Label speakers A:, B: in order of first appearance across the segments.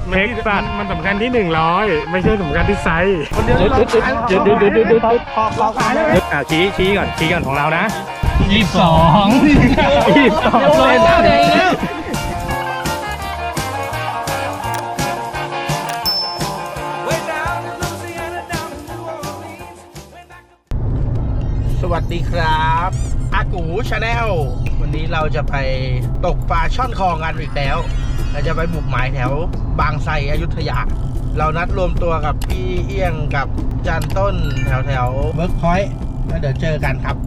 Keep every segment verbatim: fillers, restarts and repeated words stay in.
A: เท็กซัสมันสำคัญที่หนึ่งร้อยไม่ใช่สำคัญที่ไซส์คนเดียว
B: หยุดหยุดหยุดหยุดหยุดหยุดหยุดหยุด
A: ขอขอขายเลย
B: อ่าชี้ชี้ก่อนชี้ก่อนของเรานะ
A: ยี่สิบสองยี่สิบสองเลยนะ
C: สวัสดีครับอากูชาแนลวันนี้เราจะไปตกปลาช่อนคลองกันอีกแล้วเราจะไปบุกหมายแถวบางไทรอยุธยาเรานัดรวมตัวกับพี่เอี้ยงกับจันต้นแถวแถวเวิร์กพอยต์แล้วเดี๋ยวเจอกันครับ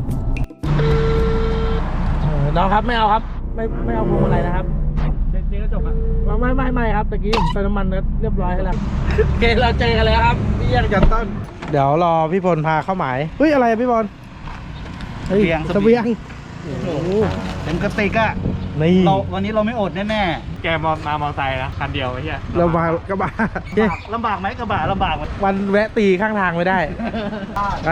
C: น้องครับไม่เอาครับไม่ไม่เอาพวงมาลัยนะครับเด็กๆก็จบอ่ะไม่ไม่ไม่ครับตะกี้ผมเติมน้ำมันเรียบร้อยแล้วโอเคเราเจอกันแล้วครับพี่เอี้ยงจันต้นเดี๋ยวรอพี่พลพาเข้าหมายเฮ้ยอะไรพี่พลเสบียงเสบียงโอ้โหเต็มกระติกอะนี่เราวันนี้เราไม่อดแน่ๆ
A: แกมามามอไซค์นะคันเดียวไอ้เหี้ย
C: ลำบากกระบะลำบากไหมกระบะลำบากวันแวะตีข้างทางไม่ได้ไป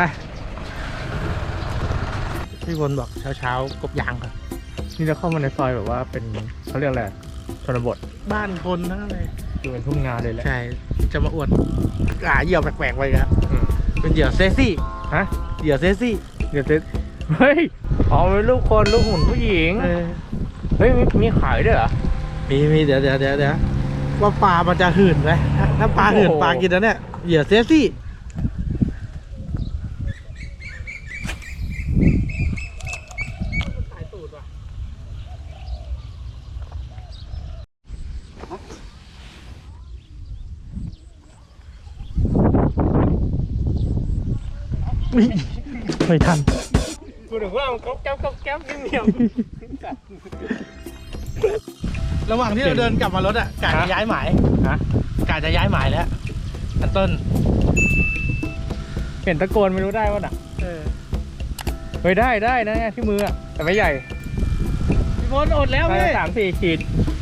C: พี่พลบอกเช้าๆกบยางครับ
A: นี่จะเข้ามาในซอยแบบว่าเป็นเขาเรียกอะไรชนบท
C: บ้านคนทั้งนั้นเลย
A: คือเป็นทุ่งนาเลยแหละ
C: ใช่จะมาอวดอ่าเหยื่อแปลกๆไปครับ
A: อืม
C: เป็นเหยื่อเซซี่
A: ฮะ
C: เหยื่อเซซี่
A: เดี๋ยวจะเฮ้ยอ๋อเป็นลูกคนลูกหุ่นผู้หญิง
C: เออ
A: เฮ้ยมีมีขายด้วยเหรอ
C: มีมีเดี๋ยวเดี๋ยวเดี๋ยวเดี๋ยวว่าปลามันจะหื่นไหมถ้าถ้าปลาหื่น
A: โอ้โห
C: ปลากินแล้วเนี่ยเหยื่อเซซี่ไม่ทัน
A: กูถึงว่ามันก๊อบแก๊บก๊อบแก๊บเหนียว
C: ระหว่างที่เราเดินกลับมารถอ่ะกาจะย้ายหมาย
A: ฮะ
C: กาจะย้ายหมายแล้วอันต้น
A: เห็นตะโกนไม่รู้ได้ป่ะน่ะ
C: เออ
A: เฮ้ยได้ได้นะที่มืออะแต่ไม่ใหญ่
C: พี่พลอดแล้ว
A: ได้
C: พี่
A: สามสี่ขีด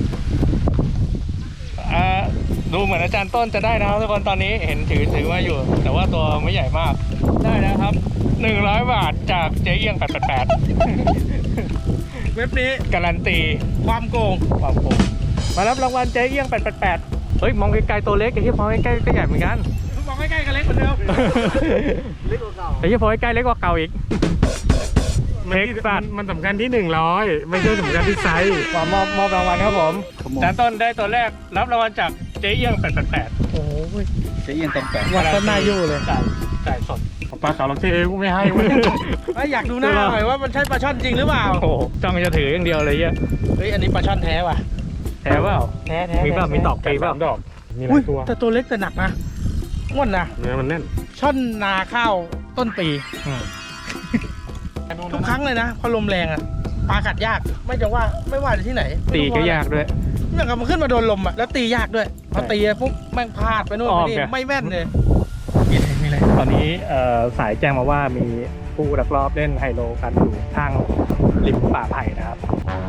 A: อ่าดูเหมือนอาจารย์ต้นจะได้นะครับทุกคนตอนนี้เห็นถือถือมาอยู่ แต่ว่าตัวไม่ใหญ่มากได้นะครับหนึ่งร้อยบาทจากเจ๊เอี้ยงแปดแปดแปด
C: เว็บนี้
A: การันตี
C: ความโกง
A: ความโกงมารับรางวัลเจ๊เอี้ยงแปดแปดแปดเฮ้ยมองไกลๆตัวเล็กไอ้ที่มองใกล้ๆก็ใหญ่เหมือนกัน
C: มองใกล้ๆกันเล็กเหมือนเดิมเล็กกว่าเก่า
A: ไอ้ที่พอใกล้ๆเล็กกว่าเก่าอีกเท็กซัสมันสำคัญที่หนึ่งร้อยไม่ใช่สำคัญที่ไซส์มอบมอบรางวัลครับผมอาจารย์ต้นได้ตัวแรกรับรางวัลจากเจ๊เอี้ยงแปดแปดแปด
C: โอ้ย
B: จะเอียงตรงแปะ
C: วัดต้นหน้ายู่เลย
A: จ่ายจ่ายสดปลาขาวเราเจ๊กูไม่ให้เว้ย
C: อยากดูหน้าหน่อยว่ามันใช่ปลาช่อนจริงหรือเปล่า
A: โอ้โหจ้องจะถืออย่างเดียวเลยเหี้ย
C: เฮ้ยอันนี้ปลาช่อนแท้ว่ะ
A: แท้เปล่า
C: แท้แท้
A: มีเปล่ามีตอกปีเปล่าดอกมีหลา
C: อุ้ย
A: ยตัว
C: แต่ตัวเล็กแต่หนักนะง่วนนะ
A: เนื้อมันแน่น
C: ช่อนนาข้าวต้นปี
A: อืม
C: ทุกครั้งเลยนะพอลมแรงอ่ะปลากัดยากไม่จะว่าไม่ว่าจะที่ไหน
A: ตีก็ยากด้วย
C: เมื่อกับมันขึ้นมาโดนลมอ่ะแล้วตียากด้วยพอตีปุ๊บแม่งพลาดไปโน่นไปนี่ไม่แม่นเลยมีอะไร
A: ตอนนี้เอ่อสายแจ้งมาว่ามีผู้ลักลอบเล่นไฮโลกันอยู่ทางริมป่าไผ่นะครับ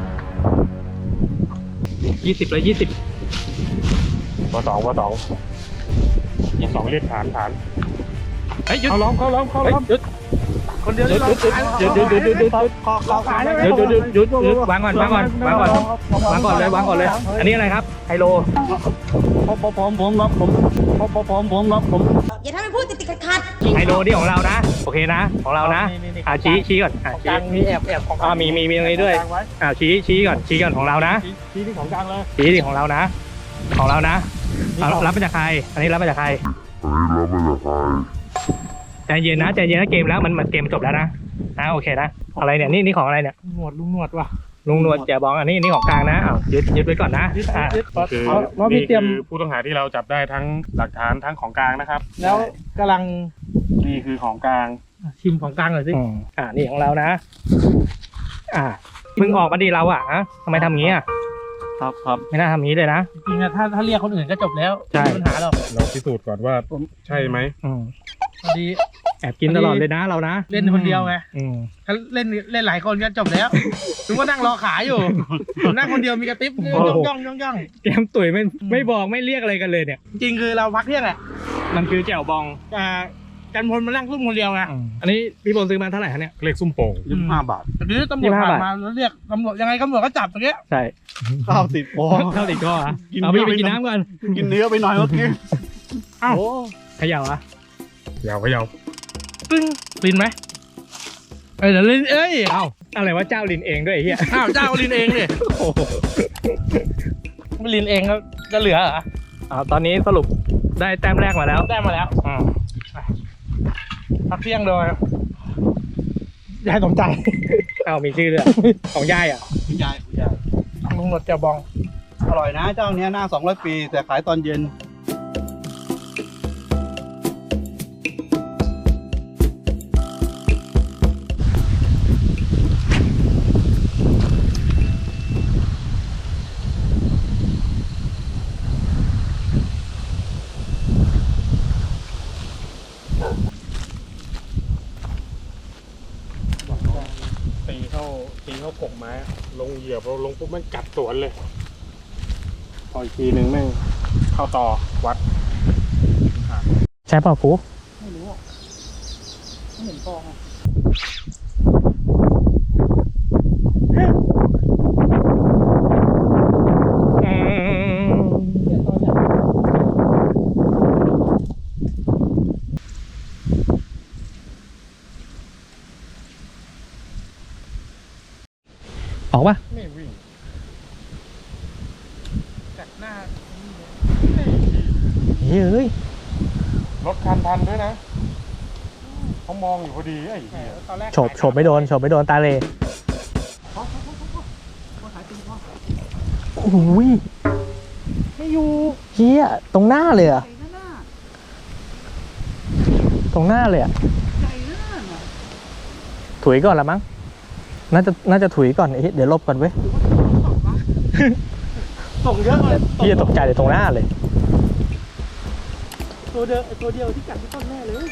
A: ยี่สิบเลยยี่สิบวสองวสองวสองเรียกฐานฐานเฮ้ยหยุดเขาล้อมเขาล้อมเขาล้อมหยุด
C: คนเดียว
A: หยุดหยุดหยุดหยุดหยุดหยุดหยุดหยุด
C: ขอขอขายได้ไหม
A: หยุดหยุดหยุดหยุดหยุดวางก่อนวางก่อนวางก่อนวางก่อนเลยวางก่อนเลย อันนี้อะไรครับไฮโล
B: ผมผมผมผมรับผมผมผมผมผมรับผม
D: อย่าทำให้พูดติดติดขัดขัด
A: ไฮโลนี่ของเรานะโอเคนะของเรานะอ่าชี้ชี้ก่อนอ่า
C: ของก
A: ชี้
C: ลางมีแอบแอบของ
A: อ่ามีมีมีตรงนี้ด้วยอ่าชี้ชี้ก่อนชี้ก่อนของเรานะ
C: ชี้ที่ของกลางเลย
A: ชี้ที่ของเรานะ ของเรานะเอารับมาจากใครอันนี้รับมาจากใครใจเย็นนะใจเย็นนะเกมแล้วมันมันเกมจบแล้วนะอ่าโอเคนะอะไรเนี่ยนี่นี่ของอะไรเนี่ย
C: หนวดลุงหนวดว่ะ
A: ลุงนวลแจบองอันนี้นี่ของกลางนะอ้าวยึดยึดไว้ก่อนนะอ่า
C: คือ
E: เพราะพี่เตรียมผู้ต้องหาที่เราจับได้ทั้งหลักฐานทั้งของกลางนะครับ
C: แล้วกำลัง
E: นี่คือของกลาง
C: ชิมของกลางหน่อยสิ
A: อืมอ่านี่ของเรานะ อ่ามึงออกมาดีเราอ่ะฮะทำไมทำอย่างนี้อ่ะ
B: ครับครับ
A: ไม่น่าทำอย่างนี้เลยนะ
C: จริงๆนะถ้าถ้าเรียกคนอื่นก็จบแล้ว
A: ใช่
C: ไม่มีปัญหาหรอก
E: เราพิสูจน์ก่อนว่าใช่ไหม
A: อืม
C: พอดี
A: แอบกินตลอดเลยนะเรานะ
C: เล่นคนเดียวไง
A: อืม
C: ถ้าเล่นเล่นหลายคนก็จบแล้วถึงว่านั่งรอขายอยู่ผมนั่งคนเดียวมีกระติบย่องย่องย่องย่อง
A: แกมตุ๋ยไม่ไม่บอกไม่เรียกอะไรกันเลยเนี่ย
C: จริงคือเราพักเที่ยงแหละ
A: มันคือแจ่วบอง
C: อ่ากันพลมานั่งซุ่มคนเดียวไง
A: อันนี้พี่พลซื้อมาเท่าไหร่คะเนี่ย
E: เลขซุ่มโป่ง
B: ยี่สิบห้าบาท
C: ทีนี้ตำรวจผ่านมาแล้วเรียกตำรวจยังไงตำรวจก็จับตรงเนี้ย
A: ใช่
B: ข้าวติดคอ
A: เข้าติดก้ออ่ะเอาพี่ไปกินน้ำก่อน
B: กินเนื้อไปหน่อยเมื่อกี้
C: อ้าว
A: เขย่าอ่ะ
E: ยาวก็ยาว
C: ตึ้งลินไหมเอ้ยเดี๋ยวลินเอ้ย
A: เอ้าอะไรว่าเจ้าลินเองด้วยไอ้เหี้ย
C: อ้าวเจ้าลินเองเนี่ย
A: โอ้โห
C: ไม่ลินเองก็จะเหลือเหรอ
A: อ่าตอนนี้สรุปได้แต้มแรกมาแล้ว
C: ได้มาแล้ว
A: อืม
C: พักเที่ยงโดยยายสมใจ
A: เอามีชื่อด้วยของยายอ่ะ
B: คุณยายคุณยาย
C: ลุงหนวดเจ้าบอง
B: อร่อยนะเจ้าเนี้ยหน้าสองร้อยปี แต่ขายตอนเย็น
E: ตีเข้าตีเข้ากกไม้ลงเหยียบเราลงปุ๊บมันกัดสวนเลยพออีกทีหนึ่งแม่งเข้าต่อวัด
A: ใช่เปล่าฟู
C: ไม่รู้อ่ะไม่เห็นฟองอ่ะ
A: ออกปะ
E: ไม่วิ่ง
C: จากหน้า
A: เฮ้ย
E: รถคันทันด้วยนะเขามองอยู่พอดีไอ้เหี้ย
C: ตอนแรก
A: โฉบโฉบไม่โดนโฉบไม่โดนตาเลยโอ้ย
C: ไม่อยู่
A: เฮียตรงหน้าเลยอะตรงหน้าเลยอะถุยก่อนละมั้งน่าจะน่าจะถุยก่อนเอ๊ะเดี๋ยวลบก่อนเว้ย
C: ส่งเยอะเลย
A: พี่จะตกใจเลยตรงหน้าเลย
C: ตัวเดียวตัวเดียวที่กัดที่ต้นแน่เลย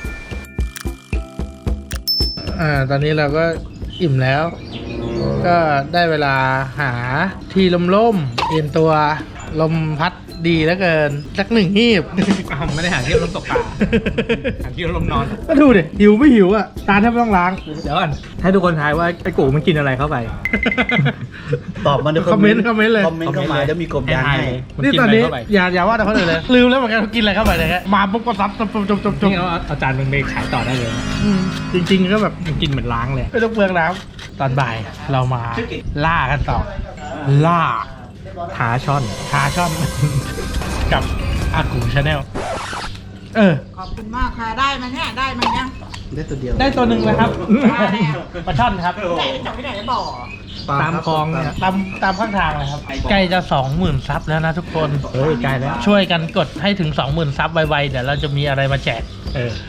C: อ่าตอนนี้เราก็อิ่มแล้ว ก็ได้เวลาหาที่ล่มๆเย็นตัวลมพัดดีแล้วเกินสักหนึ่งหีบ
A: ไม่ได้หาเที่ยวลมตกปลาหาเที่ยวลมนอน
C: ก็ดูดิหิวไม่หิวอ่ะตาแทบไม่ต้องล้าง
A: เดี๋ยวก่อนให้ทุกคนทายว่าไอ้กูมันกินอะไรเข้าไป
B: ตอบมาใน
C: คอมเมนต์คอมเมนต์เลย
B: คอมเมนต์เข้ามาแล้วมีกบยางให้
A: มัน
C: นี่
A: กิน
C: ตอ
A: อะ
C: น
A: ไร
C: นี้
A: เข้าไป
C: อย่าอย่าว่าแต่คนอื่นเลย ลืมแล้วเหมือนกันว่ากินอะไรเข้าไปเลยฮะมาปุ๊บก็ซับจบจบจบจบจบ
A: นี่เอาเอาจานมึงไปขายต่อได้เลยนะ
C: อืมจริงๆก็แบบ
A: มันกินเหมือนล้างเลย
C: ไม่ต้องเปลืองน้ำตอนบ่ายเรามาล่ากันต่อ ล่า
A: หาช่อน
C: หาช่อน กับอากูชาแนลเออ
D: ขอบคุณมากค่ะ ได้มาเนี่ย ได้มายัง
B: ได้ตัวเดียว
C: ได้ตัวหนึ่งเลยครับ
D: ได้แล้ว
C: ปลาช่อนครับ
D: ไหนจับไม่ไหนบ่อ
A: ตามคลองเนี่ย
C: ตามตามข้างทางเลยครับใกล้จะสองหมื่นซับแล้วนะทุกคน
A: เฮ้ยใกล้แล้ว
C: ช่วยกันกดให้ถึงสองหมื่นซับไวๆเดี๋ยวเราจะมีอะไรมาแจก
A: เออ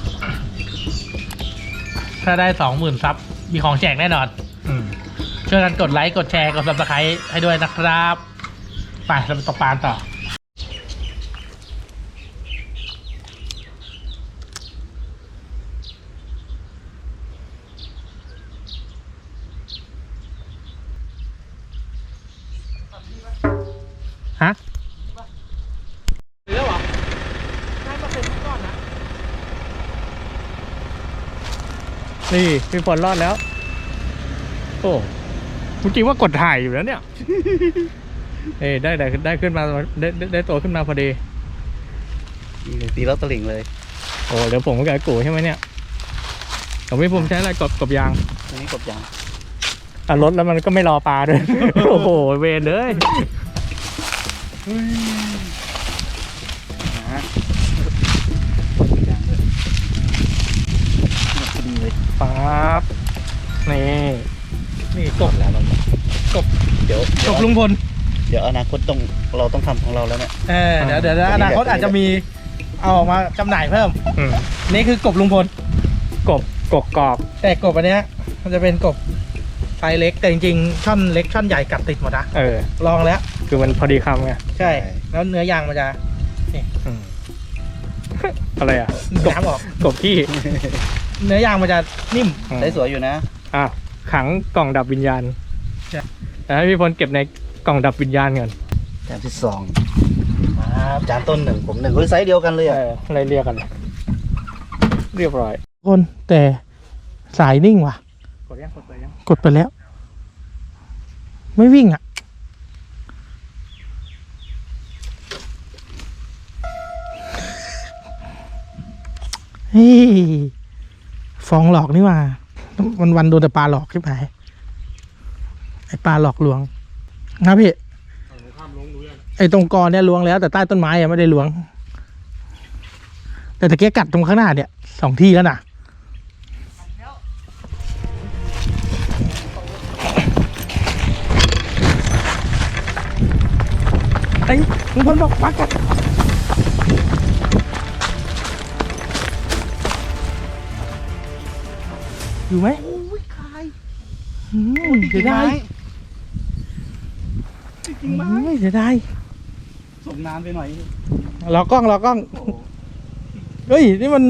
C: ถ้าได้สองหมื่นซับมีของแจกแน่นอน
A: อืม
C: ช่วยกันกดไลค์กดแชร์กด ซับสไครบ์ให้ด้วยนะครับไปเราไปตกปลาต่อฮะเหลือเหรอได้มาเป็นก้อนนะ
A: นี่พี่ฝนรอดแล้ว โอ้เมื่อกี้ว่ากดถ่ายอยู่แล้วเนี่ย เอ้ยได้ได้ได้ขึ้นมาได้ได้ได้ตัวขึ้นมาพอดี
B: ตีแล้วตะหลิ่งเลย
A: โอ้เดี๋ยวผมกับไอ้กูใช่ไหมเนี่ยผมไม่ผมใช้อะไรกบกบยาง
B: อันนี้กบยาง
A: อ่ะรถแล้วมันก็ไม่รอปลาด้วย โอ้โหเวรเลย
B: นะกบยางด้วยพอดีเลย
A: ปั๊บนี่นี่กบ
B: แล้วเรากบเดี๋ยว
C: จบลุงพล
B: เดี๋ยวอนาคตต้องเราต้องทำของเราแล้วเนี่ย
C: เออเดี๋ยวเดี๋ยวอนาคตอาจจะมีเอาออกมาจำหน่ายเพิ่ม
A: อืม
C: นี่คือกบลุงพล
A: กบกบกรอบ
C: แต่กบอันเนี้ยมันจะเป็นกบไซส์เล็กแต่จริงๆช่อนเล็กช่อนใหญ่กัดติดหมดนะ
A: เออ
C: ลองแล้ว
A: คือมันพอดีคำไง
C: ใช่ แล้วเนื้อยางมันจะ
A: อืม อะไรอ่ะ
C: น้ำออก
A: กบขี้
C: เนื้อยางมันจะนิ่ม
B: ได้สวยอยู่นะ
A: อ่ะขังกล่องดับวิญญาณ
C: ใช่
A: แต่ให้พี่พลเก็บในกล่องดับวิญญาณก่อน
B: จานที่สองจานต้นหนึ่งผมหนึ่งเฮ้ยไซส์เดียวกันเลย
A: เอ
B: อ่ะ
A: ออะไรเรียกกันเรียบร้อย
C: คนแต่สายนิ่งว่ะ
A: กดยังกดไปยัง
C: กดไปแล้ว ไม่วิ่งอ่ะเฮ้ยฟองหลอกนี่ว่าวันวันๆโดนแต่ปลาหลอกขึ้นไปไอปลาหลอกลวงนะพี่
E: ข้ามลงดูยัง
C: ไอตรงกอเนี่ยลวงแล้วแต่ใต้ต้นไม้ยังไม่ได้ลวง แต่ตะเกียกัดตรงข้างหน้าเนี่ยสองที่แล้วนะไอ้ลุงพลบอกปักกัดอยู่ไหม
B: โอ้ยคาย
C: อืมเสียดาย
B: จริงไหม
C: ไม่เสียดาย
B: ส่งนานไปหน่อย
C: รอกล้องรอกล้องเฮ้ยนี่มัน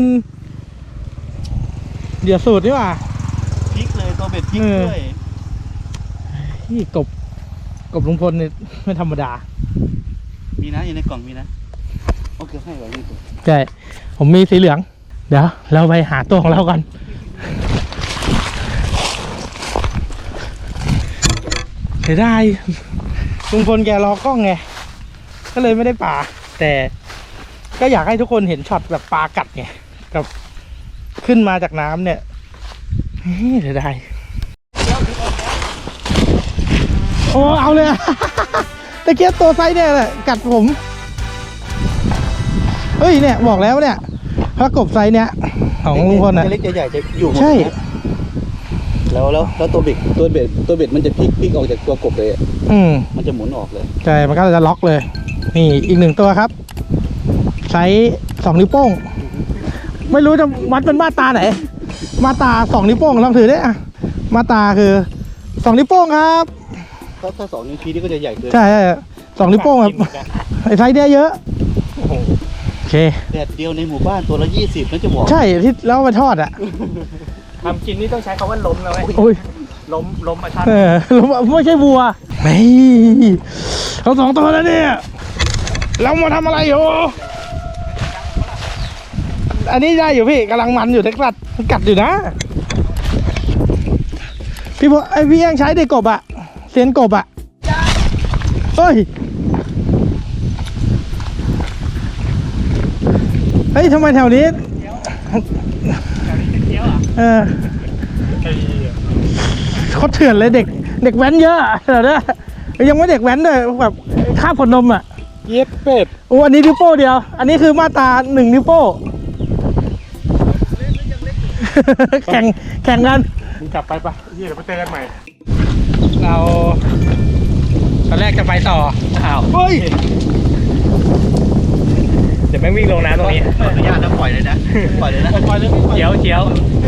C: เดี๋ยวสูตรนี่หว่า
B: พลิกเลยตัวเบ็ดพลิก
C: เออ
B: ด้วย
C: นี่กบกบลุงพลเนี่ยไม่ธรรมดา
B: มีนะอยู่ในกล่องมีนะโอเคให้ไว้นี่ตัว
C: ใช่ผมมีสีเหลือง เดี๋ยวเราไปหาตัวของเรากันเสียดายลุงพลแกรอกล้องไงก็เลยไม่ได้ปลาแต่ก็อยากให้ทุกคนเห็นช็อตแบบปลากัดไงกับขึ้นมาจากน้ำเนี่ยเฮ้ยเสียดายโอ้เอาเลยอะ ตะเกียบตัวไซส์เนี่ยแหละกัดผมเฮ้ยเนี่ยบอกแล้วเนี่ยพระกบไซส์เนี่ยของลุงพลอ่ะ
B: เล็กๆใหญ่ๆจะอยู่หมด
C: ใช่
B: นะแล้วแล้วแล้วตัวเบ็ดตัวเบ็ดตัวเบ็ดมันจะพลิกพลิกออกจากตัวกบเลยอะ
C: อืม
B: มันจะหมุนออกเลย
C: ใช่ มันก็จะล็อกเลย นี่อีกหนึ่งตัวครับ ไซส์สองนิ้วโป้ง ไม่รู้จะวัดเป็นมาตราไหน มาตราสองนิ้วโป้งลองถือได้อะมาตราคือสองนิ้วโป้งครับ
B: ถ้าถ้าสองนิ้วชี้นี่ก็จะใหญ่เกิน
C: ใช่ใช่สองนิ้วโป้งครับไอ้ไซส์เนี้ยเยอะโอเค
B: แดดเดียวในหมู่บ้านตัวละยี่สิบนั่นจะบอก
C: ใช่ที่แล้วเอาไปทอดอ่ะ
A: ทำกินนี่ต้องใช้คำว่าล้มนะเว้ย
C: โอ้ย
A: ล้มล้มมาชัด
C: เออไม่ใช่วัวไม่เขาสองตัวแล้วเนี่ยเรามาทำอะไรอยู่อันนี้ได้อยู่พี่กำลังมันอยู่เท็กซัสมันกัดอยู่นะพี่พอไอพี่ยังใช้เด็กกบอะเซียนกบอะเฮ้ยเฮ้ยทำไมแถวนี้เออเขาเถื่อนเลยเด็กเด็กแว้นเยอะอะเดี๋ยวนะยังไม่เด็กแว้นด้วยแบบข้าบขนนมอะ
E: เย็ดเป็ด
C: โอ้อันนี้นิ้วโป้เดียว อันนี้คือมาตราหนึ่งนิ้วโป้ แข่งแข่งกัน
E: มึงกลับไปปะเฮียเดี๋ยวไปเจอกันใหม่
C: เราตอนแรกจะไปต่อ
A: อ้าว
C: เฮ้ย
A: เดี๋ยวแม่งวิ่งลงน้ำตรงนี้
B: ขออนุญาตนะปล่อยเลยนะ ปล่อยเลยนะ
C: ปล่อยเลย
A: เจียวเจียว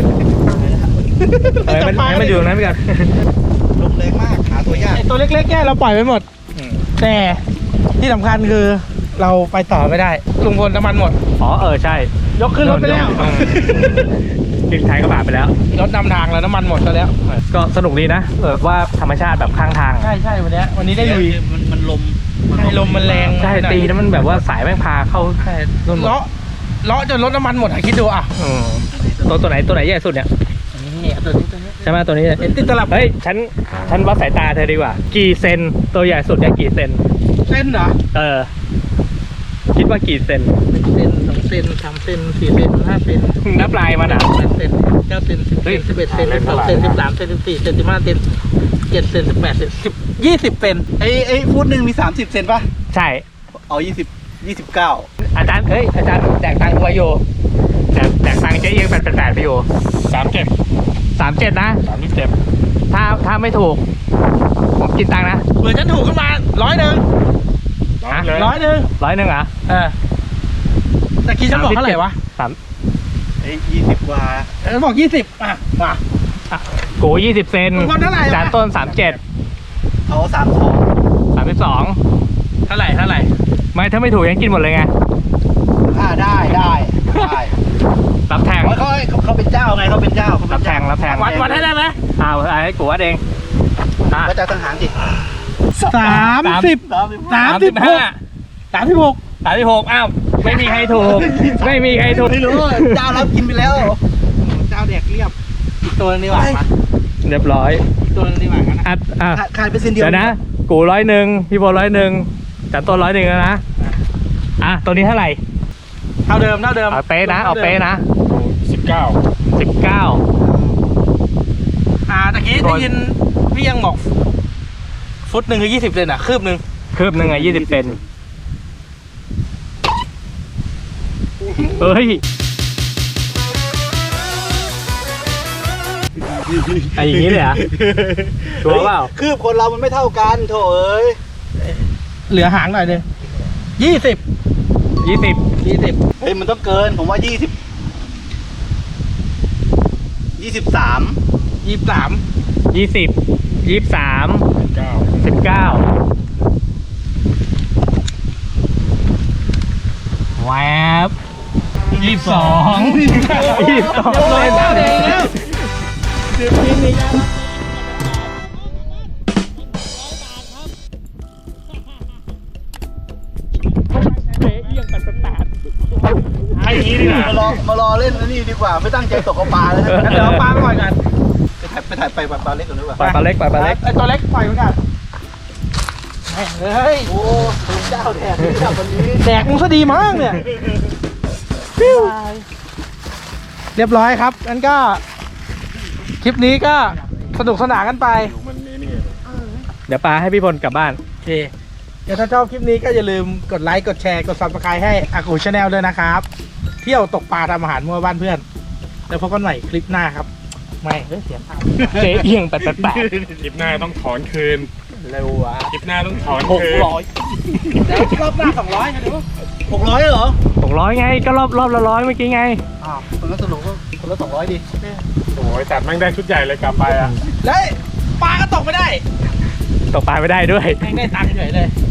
A: เออมันให้มันอยู่ตรงนั้นไปก่อน
B: ลมแรงมากหาตัวยาก
C: ไอตัวเล็กๆแค่เราปล่อยไปหมด แต่ที่สำคัญคือเราไปต่อไม่ได้ ลุงพลน้ำมันหมด
A: อ๋อเออใช่
C: ยกขึ้นรถไปแล้ว
A: ดึงท้ายกระบะไปแล้ว
C: รถนำทางแล้วน้ำมันหมดซะแล้ว
A: ก็สนุกดีนะแบบว่าธรรมชาติแบบข้างทาง
C: ใช่ใช่วันนี้วันนี้ได้ลุย
B: มันมันลม
C: ใช่ลมมันแรง
A: ใช่ตีแล้วมันแบบว่าสายแม่งพาเข้า
C: ใช่
A: นู่นหมด
C: เลาะเลาะจนรถน้ำมันหมดอะคิดดูอ่ะ
A: อืมตัวตัวไหนตัวไหนใหญ่สุดเนี่ย
C: นี่ตัวนี้ตัวนี้
A: ใช่ไหมตัวนี้
C: เห็นติดตลับ
A: เฮ้ยฉันฉันวัดสายตาเธอดีกว่า กี่เซนตัวใหญ่สุดเนี่ยกี่เซน
C: เส้นเหรอ
A: เออ คิดว่ากี่เซน
C: หนึ่งเซนสองเซนสามเซนสี่เซนห้าเซน
A: นับลายมันอ่ะ
C: แปดเซนเก้าเซนสิบเซนสิบเอ็ดเซนสิบสองเซนสิบสามเซนสิบสี่เซนสิบห้าเซนเจ็ดเซนสิบแปดเซนสิบยี่สิบเซน
B: ไอ้ไอ้ฟุตหนึ่งมีสามสิบเซนป่ะ
A: ใช่
B: เอายี่สิบยี่สิบเก้า
A: อาจารย์เฮ้ยอาจารย์แดกตังค์กูไว้อยู่แดกแดกตังค์เจ๊เอียงแปดแปดแปดไปอยู่
E: สามเจ็ด
A: สามเจ็ดนะ
E: สามที่เจ็ด
A: ถ้าถ้าไม่ถูกผมกินตังค์นะ
C: เผื่อฉันถูกขึ้นมาร้อยหนึ่ง
E: ร้อยเลย
C: ร้อยหนึ่ง
A: ร้อยหนึ่งเหรอ่ะ
C: เออแต่กี้ฉันบอกเท่าไหร่วะ
A: สาม
B: ไอ้ยี่สิบกว่า
C: เออบอกยี่สิบอ่ะมา
A: กูยี่สิบเซน
C: ลุงพลเท่าไหร่วะ
A: จานต้นสามเจ็ด
B: เอาสามสอง
A: สามสิบสอง
C: เท่าไหร่เท่าไหร่
A: ไม่ถ้าไม่ถูกยังกินหมดเลยไง
B: อ่าได้ได้ได้
A: รับแทง
B: เขาเขาเขาเป็นเจ้าไงเขาเป็นเจ้าเขาเป็
A: รับ
B: น
A: แท
B: เจ้าง
A: รับแทง
C: วัดวัดให้ได้ไหม
A: เอาเอาให้กูวัดเองอ่ะ
B: ก็จะตั้งหางดิ
C: สามสิบ
B: สามสิบ
C: สามสิบหกสามสิบหก
A: สามสิบหกอ้าวไม่มีใครถูกไม่มีใครถูก
B: ไม่รู้เจ้ารับกินไปแล้ว
C: เจ้าแดกเรียบอีกตัวนึงดีกว่ามา
A: เรียบร้อย
C: อีกตัวนึงดีกว่ากันนะ
A: อ่ะอ่ะ
B: ขายไปเส้นเดียว
A: เดี๋ยวนะกูร้อยหนึ่งพี่โบร้อยหนึ่งจัดต้นร้อยหนึ่งแล้วนะอ่ะตัวนี้เท่าไหร่
C: เท่าเดิมเท่าเดิม
A: เอาเป๊ะนะเอาเป๊ะนะ
E: สิบเก้า
A: สิบเก้า
C: อ่าตะกี้ได้ยินพี่ยังบอกฟุตหนึ่งคือยี่สิบเซนอ่ะคืบหนึ่ง
A: คืบหนึ่งไงยี่สิบเซนเอ้ยไอ้อย่างนี้เลยเหรอ่ะชัวร์เปล่า
B: คือคนเรามันไม่เท่ากันโถเอ้ย
C: เหลือหางหน่อยหนึงยี่สิบ
A: ยี่สิบ
C: ยี่สิบ
B: เฮ้ยมันต้องเกินผมว่ายี่สิบยี่สิบสาม
C: ยี่สิบสาม
A: ยี่สิบยี่สิบสาม
E: เก้า
A: สิบเก้าแวบยี่สิบสองยี่สิบสอง
C: เล่นแล้วเองแล้ว
E: ไอ้นี้ดีกว่าม
B: ารอมารอเล่นอันนี่ดีกว่าไม่ตั้งใจตกกระปลาเลยนะ
C: งั้นเดี๋ยวเอาปลาก่อนกัน
B: ไปถ่ายไปถ่ายไปปลาเล็กก่อนดีกว่า
A: ปล่อยปลาเล็กปล่อยปลาเล็ก
C: ไอตัวเล็กปล่อยเหมือนกันแม่งเลย
B: โอ้เจ้าแดดนี่แบบวันนี้
C: แดกมึงซะดีมากเนี่ยเรียบร้อยครับงั้นก็ คลิปนี้ก็สนุกสนานกันไป
E: มันนี่นี่
A: เดี๋ยวปลาให้พี่พลกลับบ้าน
C: โอเคเดี๋ยวถ้าชอบคลิปนี้ก็อย่าลืมกดไลค์กดแชร์กด ซับสไครบ์ให้อากูชาแนลด้วยนะครับ เที่ยวตกปลาทำอาหารมั่วบ้านเพื่อนแล้วพบกันใหม่คลิปหน้าครับ ไม่เฮ้ยเสียงเปล่า
A: เจ๊เอียงแปดแปดแปด
E: คลิปหน้าต้องถอนคืน
C: เร็วอ่ะ
E: คลิปหน้าต้องถอน
A: หก
E: คืน
A: ร้อย
C: แล้วรอบหน้าสองร้อยนะเดี๋ยว
B: หกร้อยเหรอ
A: หกร้อยไงก็รอบรอบละร้อยเมื่อกี้ไง
B: อ้าวคนละสนุกก็คนละสองร้อยดิ
E: โอ้ยจัดแม่งได้ชุดใหญ่เลยกลับไปอ่ะ
C: แล้วปลาก็ตกไม่ได้
A: ตกปลาไม่ได้ด้วย
C: แม่งได้ตังค์เฉยเลย